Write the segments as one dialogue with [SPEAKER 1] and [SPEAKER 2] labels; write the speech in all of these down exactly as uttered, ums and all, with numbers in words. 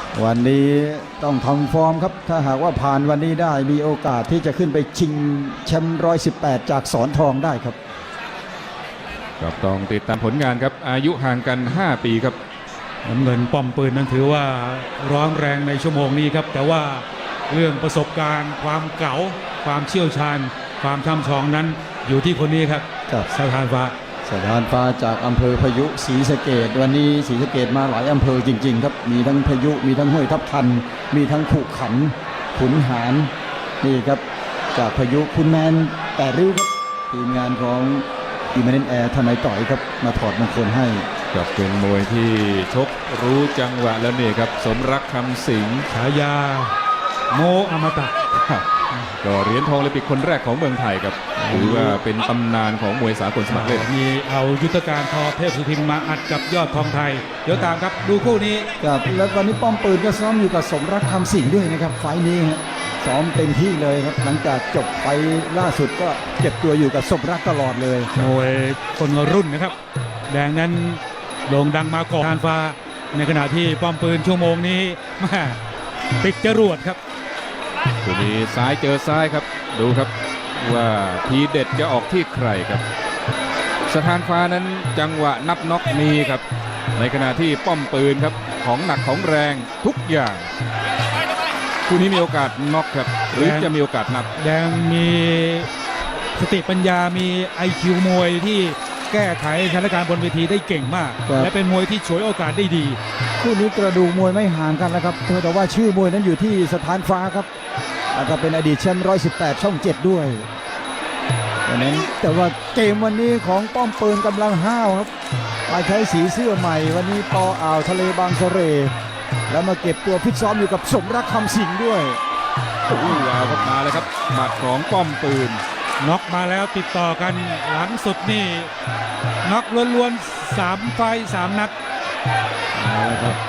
[SPEAKER 1] วันนี้ต้องทำฟอร์มครับถ้าหากว่าผ่านวันนี้ได้มีโอกาสที่จะขึ้นไปชิงแชมป์ร้อยสิบแปดจากสอนทองได้ครับ
[SPEAKER 2] ครับต้องติดตามผลงานครับอายุห่างกันห้าปีครับ
[SPEAKER 3] น้ำเงินป้อมปืนนั้นถือว่าร้อนแรงในชั่วโมงนี้ครับแต่ว่าเรื่องประสบการณ์ความเก๋าความเชี่ยวชาญความช่ำชองนั้นอยู่ที่คนนี้ครับ
[SPEAKER 1] กับ
[SPEAKER 3] สถานฟ้า
[SPEAKER 1] สถานฟ้าจากอำเภอพายุศรีสะเกษวันนี้ศรีสะเกษมาหลายอำเภอจริงๆครับมีทั้งพายุมีทั้งห้วยทับทันมีทั้งขุขันขุนหารนี่ครับจากพายุคุณแมนแต่ริ้วครับทีมงานของอิมเมเนนแอร์ทนายต่อยครับมาถอดมงคลให้
[SPEAKER 2] กับเป็นมวยที่ชกรู้จังหวะแล้วนี่ครับสมรักคำสิง
[SPEAKER 3] ฉายาโมอมตะ
[SPEAKER 2] ก็เหรียญทองโอลิมปิกคนแรกของเมืองไทยครับถือว่าเป็นตำนานของมวยสากลสมัครเล่น
[SPEAKER 3] มีเอายุทธการทอเทพสุทินมาอัดกับยอดทองไทยเดี๋ยวตามครับดูคู่นี้
[SPEAKER 1] ครับแล้ววันนี้ป้อมปืนก็ซ้อมอยู่กับสมรักคำสิงด้วยนะครับไฟนี้ซ้อมเต็มที่เลยครับหลังจากจบไปล่าสุดก็เก็บตัวอยู่กับสมรักตลอดเลย
[SPEAKER 3] มวยคนรุ่นนะครับแดงนั้นโด่งดังมาก่อนทานฟ้าในขณะที่ป้อมปืนชั่วโมงนี้มาติดจรวดครับ
[SPEAKER 2] ตัวนี้ซ้ายเจอซ้ายครับดูครับว่าทีเด็ดจะออกที่ใครครับสถานฟ้านั้นจังหวะนับน็อกมีครับในขณะที่ป้อมปืนครับของหนักของแรงทุกอย่างคู่นี้มีโอกาสน็อกครับหรือจะมีโอกาสนับ
[SPEAKER 3] แดงมีสติปัญญามี ไอ คิว มวยที่แก้ไขสถานการณ์บนเวทีได้เก่งมากและเป็นมวยที่ฉวยโอกาสได้ดี
[SPEAKER 1] คู่นี้กระดูกมวยไม่ห่างกันแล้วครับแต่ว่าชื่อมวยนั้นอยู่ที่สถานฟ้าครับแล้วก็เป็นอดีตแชมป์ร้อยสิบแปดช่องเจ็ดด้วยดังนั้นแต่ว่าเกมวันนี้ของป้อมปืนกำลังห้าวครับมาใช้สีเสื้อใหม่วันนี้ปออ่าวทะเลบางสะเรแล้วมาเก็บตัวฟิตซ้อมอยู่กับสมรักคำสิงด้วย
[SPEAKER 2] โอ้โหเอาครับมาเลยครับหมัดของป้อมปืน
[SPEAKER 3] น็อกมาแล้วติดต่อกันหลังสุดนี่น็อกล้วนๆสามไฟสามนัด
[SPEAKER 2] มาแล้วครับ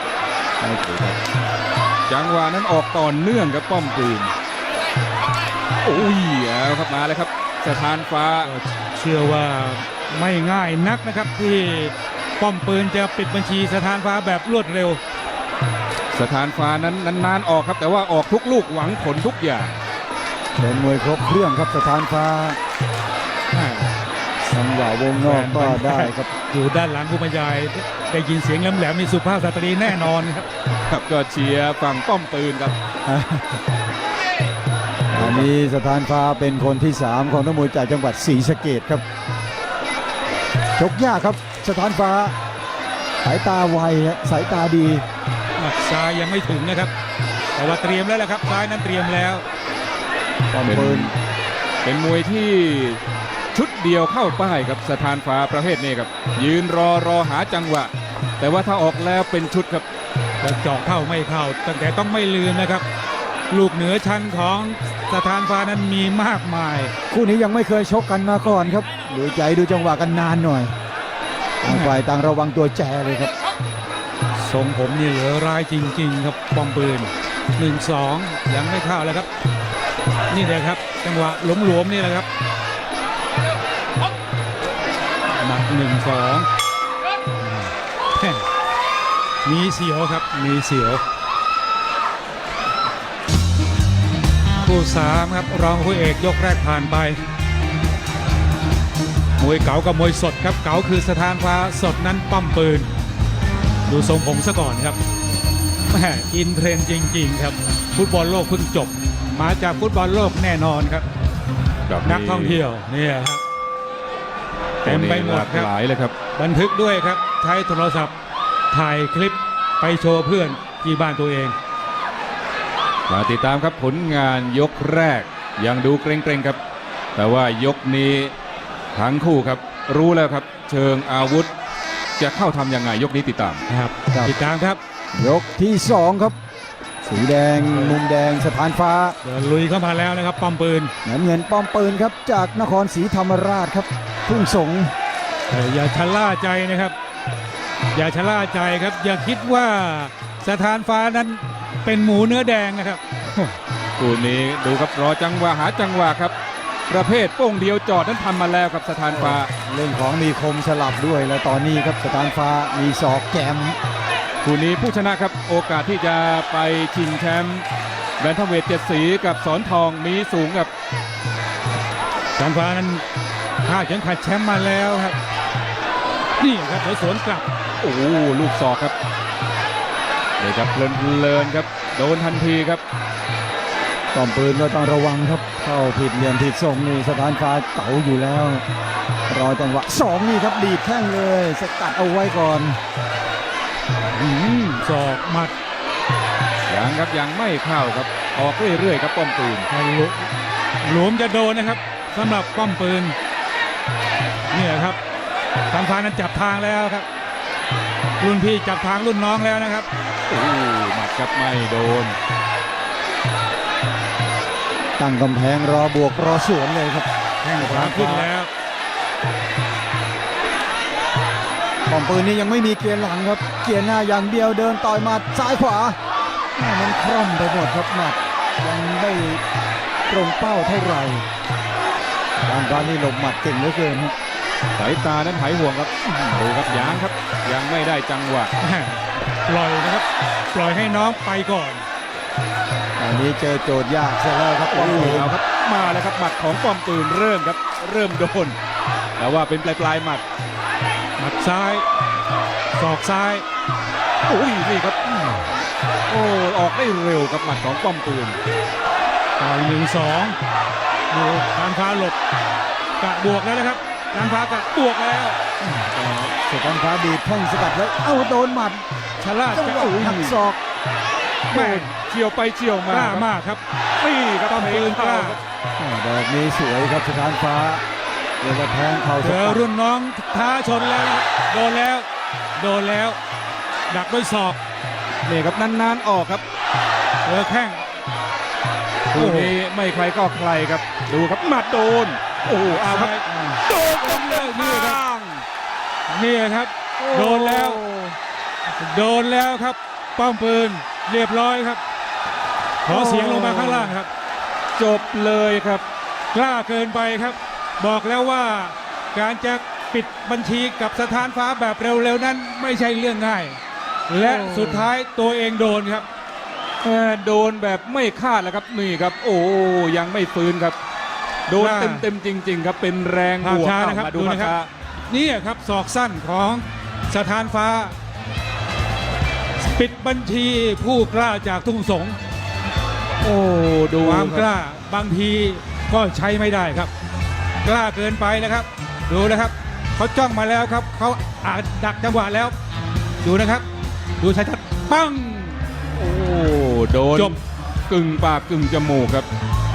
[SPEAKER 2] จังหวะนั้นออกต่อเนื่องกับป้อมปืนโอ้ยเอาครับมาเลยครับสถานฟ้า
[SPEAKER 3] เชื่อว่าไม่ง่ายนักนะครับที่ป้อมปืนจะปิดบัญชีสถานฟ้าแบบรวดเร็ว
[SPEAKER 2] สถานฟ้านั้นนานๆออกครับแต่ว่าออกทุกลูกหวังผลทุกอย่าง
[SPEAKER 1] เป็นมวยครบเครื่องครับสถานฟ้าสังหวะวงนอกก็ได้ครับ
[SPEAKER 3] อยู่ด้านหลังผู้บรรยายได้ยินเสียงแหลมๆมีสุภาพสตรีแน่นอนครับ
[SPEAKER 2] ครับก็เชียร์ฝั่งป้อมปืนครับ
[SPEAKER 1] อันนี้สถานฟ้าเป็นคนที่สามของนักมวยจากจังหวัดศรีสะเกษครับชกยากครับสถานฟ้าสายตาไวสายตาดี
[SPEAKER 3] หมัดซ้ายยังไม่ถึงนะครับแต่ว่าเตรียมแล้วแหละครับซ้ายนั้นเตรียมแล้ว
[SPEAKER 2] ป้อมปืนเป็นมวยที่ชุดเดียวเข้าป้ายกับสถานฟ้าประเภทนี้ครับยืนรอรอหาจังหวะแต่ว่าถ้าออกแล้วเป็นชุดครับ
[SPEAKER 3] จะเจาะเข้าไม่เข้าตั้งแต่ต้องไม่ลืมนะครับลูกเหนือชั้นของสถานฟ้านั้นมีมากมาย
[SPEAKER 1] คู่นี้ยังไม่เคยชกกันมาก่อนครับดูใจดูจังหวะกันนานหน่อยต่างฝ่ายต่างระวังตัวแจเลยครับ
[SPEAKER 3] ทรงผมนี่เหลือร้ายจริงๆครับป้อมปืนหนึ่งสองยังไม่เข้าแล้วครับนี่เลยครับจังหวะหลวมๆนี่แหละครับหมัดหนึ่งสองมีเสียวครับมีเสียวคู่สามครับรองคู่เอกยกแรกผ่านไปมวยเก๋ากับมวยสดครับเก๋าคือสถานฟ้าสดนั้นป้อมปืนดูทรงผมซะก่อนครับแหมอินเทรนด์จริงๆครับฟุตบอลโลกเพิ่งจบมาจากฟุตบอลโลกแน่นอนครับนักท่องเที่ยวเนี่ยครับเต็มไปหมดครับ
[SPEAKER 2] หลายเลยครับ
[SPEAKER 3] บันทึกด้วยครับใช้โทรศัพท์ถ่ายคลิปไปโชว์เพื่อนที่บ้านตัวเอง
[SPEAKER 2] มาติดตามครับผลงานยกแรกยังดูเกรงๆครับแต่ว่ายกนี้ทั้งคู่ครับรู้แล้วครับเชิงอาวุธจะเข้าทำยังไงยกนี้ติดตาม
[SPEAKER 3] ครับติดตามครับ
[SPEAKER 1] ยกที่สองครับสีแดงมุมแดงสถานฟ้า
[SPEAKER 3] เดินลุยเข้ามาแล้วนะครับป้อมปืน
[SPEAKER 1] น้ำเงินป้อมปืนครับจากนครศรีธรรมราชครับทุ่งสง
[SPEAKER 3] อย่าชะล่าใจนะครับอย่าชะล่าใจครับอย่าคิดว่าสถานฟ้านั้นเป็นหมูเนื้อแดงนะครับ
[SPEAKER 2] คู่นี้ดูครับรอจังหวะหาจังหวะครับประเภทโป้งเดียวจอดนั้นทำมาแล้วครับสถานฟ้า
[SPEAKER 1] เรื่องของมีคมสลับด้วยแล้วตอนนี้ครับสถานฟ้ามีศอกแกม
[SPEAKER 2] คู่นี้ผู้ชนะครับโอกาสที่จะไปชิงแชมป์แบนทัมเวทเจ็ดสีกับสอนทองมีสูงกับ
[SPEAKER 3] การฟ้านั้นถ้าเข็มขัดแชมป์มาแล้วครับนี่ครับเดี๋ยวสวนกลับ
[SPEAKER 2] โอ้โหลูกศอกครับเลยครับเพลินๆครับโดนทันทีครับ
[SPEAKER 1] ป้อมปืนก็ต้องระวังครับเข้าผิดเหลี่ยมผิดทรงนี่สถานฟ้าเก๋าอยู่แล้ว รอจังหวะสองนี่ครับดีดแข้งเลยสกัดเอาไว้ก่อน
[SPEAKER 3] อืมศอกหมัด
[SPEAKER 2] ยังครับยังไม่เข้าครับออกเรื่อยๆครับป้อมปืน
[SPEAKER 3] หลวมหลวมจะโดนนะครับสำหรับป้อมปืนเนี่ยครับการฟ้านั้นจับทางแล้วครับรุ่นพี่จับทางรุ่นน้องแล้วนะครับ
[SPEAKER 2] โอ้โหหมัดครับไม่โดน
[SPEAKER 1] ตั้งกำแพงรอบวกรอสวนเลยครับ
[SPEAKER 3] แข้งขวาขึ้นแล้ว
[SPEAKER 1] ป้อมปืนนี่ยังไม่มีเกียร์หลังครับเกียร์หน้าอย่างเดียวเดินต่อยหมัดซ้ายขวาแม่มันคล่อมไปหมดครับหมัดยังไม่ตรงเป้าเท่าไหร่การฟ้านี่หลบหมัดเก่งเหลือเกินครับ
[SPEAKER 2] สายตานั้นหายห่วงครับดูครับยางครับยังไม่ได้จังหวะ
[SPEAKER 3] ปล่อยนะครับปล่อยให้น้องไปก่อน
[SPEAKER 1] ตอนนี้เจอโจทย์ยากซะแล้วครับป้อ
[SPEAKER 2] โอ้
[SPEAKER 1] ม
[SPEAKER 2] โห
[SPEAKER 1] ปืน
[SPEAKER 2] เอาครับมาแล้วครับหมัดของป้อมปืนเริ่มครับเริ่มโดนแต่ว่าเป็นปลายปลายๆหมัด
[SPEAKER 3] หมัดซ้ายศอกซ้าย
[SPEAKER 2] โอ้ยนี่ครับโอ้ออกได้เร็วครับหมัดของป้อมปืน
[SPEAKER 3] ต่อยหนึ่งสองดูการฟ้าหลบกะบวกแล้วนะครับการฟ้ากะบวกแล้ว
[SPEAKER 1] สถานฟ้าดีดแข้งสกัดไว้เอ้าโดนหมัด
[SPEAKER 3] ชะล่า
[SPEAKER 1] จัง
[SPEAKER 3] จะ
[SPEAKER 1] หวะ
[SPEAKER 3] อุ้ย
[SPEAKER 1] หักศอก
[SPEAKER 3] แม่
[SPEAKER 2] เฉียวไปเฉียว
[SPEAKER 3] ก
[SPEAKER 2] มา
[SPEAKER 3] ล้า
[SPEAKER 2] ครับ
[SPEAKER 3] มากครับ
[SPEAKER 2] นี่ครับ
[SPEAKER 3] ป้อมปืนกล้า
[SPEAKER 1] อ่าดอกนี้สวยครับสถานฟ้าเดี๋ยวจะแทงเข่า
[SPEAKER 3] เจ
[SPEAKER 1] ส
[SPEAKER 3] อ
[SPEAKER 1] กัด
[SPEAKER 3] รุ่นน้องท้าชนแล้วนะครับโดนแล้ว โดนแล้ว ดักด้วยศอก
[SPEAKER 2] นี่ครับนานๆออกครับ
[SPEAKER 3] เจอแข้ง
[SPEAKER 2] คู่นี้ไม่ใครก็ใครครับดูครับหมัดโดนโอ้โหเอาครับ
[SPEAKER 3] โดนจนเลยนี่ครับนี่ครับ โดนแล้ว โดนแล้วครับ ป้อมปืนเรียบร้อยครับ ขอเสียงลงมาข้างล่างครับ
[SPEAKER 2] จบเลยครับ
[SPEAKER 3] กล้าเกินไปครับ บอกแล้วว่าการจะปิดบัญชีกับสถานฟ้าแบบเร็วๆนั้นไม่ใช่เรื่องง่าย และ
[SPEAKER 2] โอ้
[SPEAKER 3] สุดท้ายตัวเองโดนครับ
[SPEAKER 2] เอ่อโดนแบบไม่คาดแล้วครับนี่ครับ โอ้ยังไม่ฟื้นครับ โดน
[SPEAKER 3] ว่า
[SPEAKER 2] เต็มๆจริง ๆ ครับเป็นแรง
[SPEAKER 3] ภาพ
[SPEAKER 2] บวก
[SPEAKER 3] ช้า
[SPEAKER 2] เอา
[SPEAKER 3] นะครับ
[SPEAKER 2] มาดู
[SPEAKER 3] ดู
[SPEAKER 2] ภาพ
[SPEAKER 3] นะครับ
[SPEAKER 2] ช้า
[SPEAKER 3] นี่ครับศอกสั้นของสถานฟ้า ปิดบัญชีผู้กล้าจากทุ่งสง
[SPEAKER 2] โอ้ดู
[SPEAKER 3] ความ
[SPEAKER 2] ครับ
[SPEAKER 3] กล้าบางทีก็ใช้ไม่ได้ครับ กล้าเกินไปนะครับ ดูนะครับเขาจ้องมาแล้วครับเขาอาจดักจังหวะแล้ว ดูนะครับ ดูชัดๆปัง
[SPEAKER 2] โอ้โดน
[SPEAKER 3] จบ
[SPEAKER 2] กึ่งปากกึ่งจมูกครับ